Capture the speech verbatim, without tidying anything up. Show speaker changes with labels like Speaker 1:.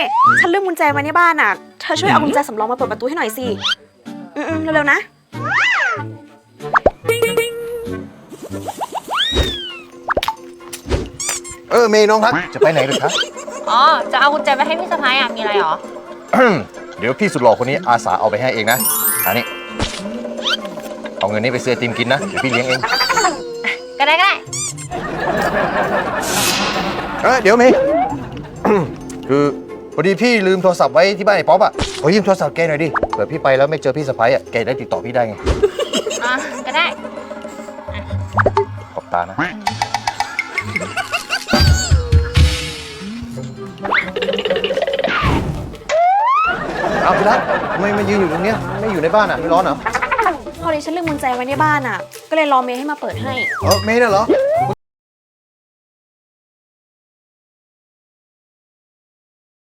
Speaker 1: ฉันลืมกุญแจไว้ในบ้านอ่ะเธอช่วยเอากุญแจสำรองมาเปิดประตูให้หน่อยสิอืมๆเร็วๆนะ
Speaker 2: เออเมย์น้องรักจะไปไหนหรือครับ
Speaker 3: อ๋อ จะเอากุญแจไปให้พี่สะพ้ายอ่ะ มีอะไรหรอ
Speaker 2: เดี๋ยวพี่สุดหล่อคนนี้อาสาเอาไปให้เองนะอันนี้เอาเงินนี้ไปซื้อไอติมกินนะเดี๋ยวพี่เลี้ยงเอง
Speaker 3: ก็ได้ก็ได้
Speaker 2: เออเดี๋ยวเมย์ คือพอดีพี่ลืมโทรศัพท์ไว้ที่บ้านไอ้ป๊อปอ่ะขอยืมโทรศัพท์แกหน่อยดิเผื่อพี่ไปแล้วไม่เจอพี่สะพ้ายอ่ะแกได้ติดต่อพี่ได้ไง
Speaker 3: อ่ะ ก็ได้
Speaker 2: ขอบตานะเอาพี่รักทำไมมายืนอยู่ตรงเนี้ยไม่อยู่ในบ้านอ่ะไม่ร้อนเหรอ
Speaker 1: พอดีฉันลืมกุญแจไว้ในบ้านอ่ะก็เลยรอเมย์ให้มาเปิดให้
Speaker 2: เออเมย์น่ะเหรอ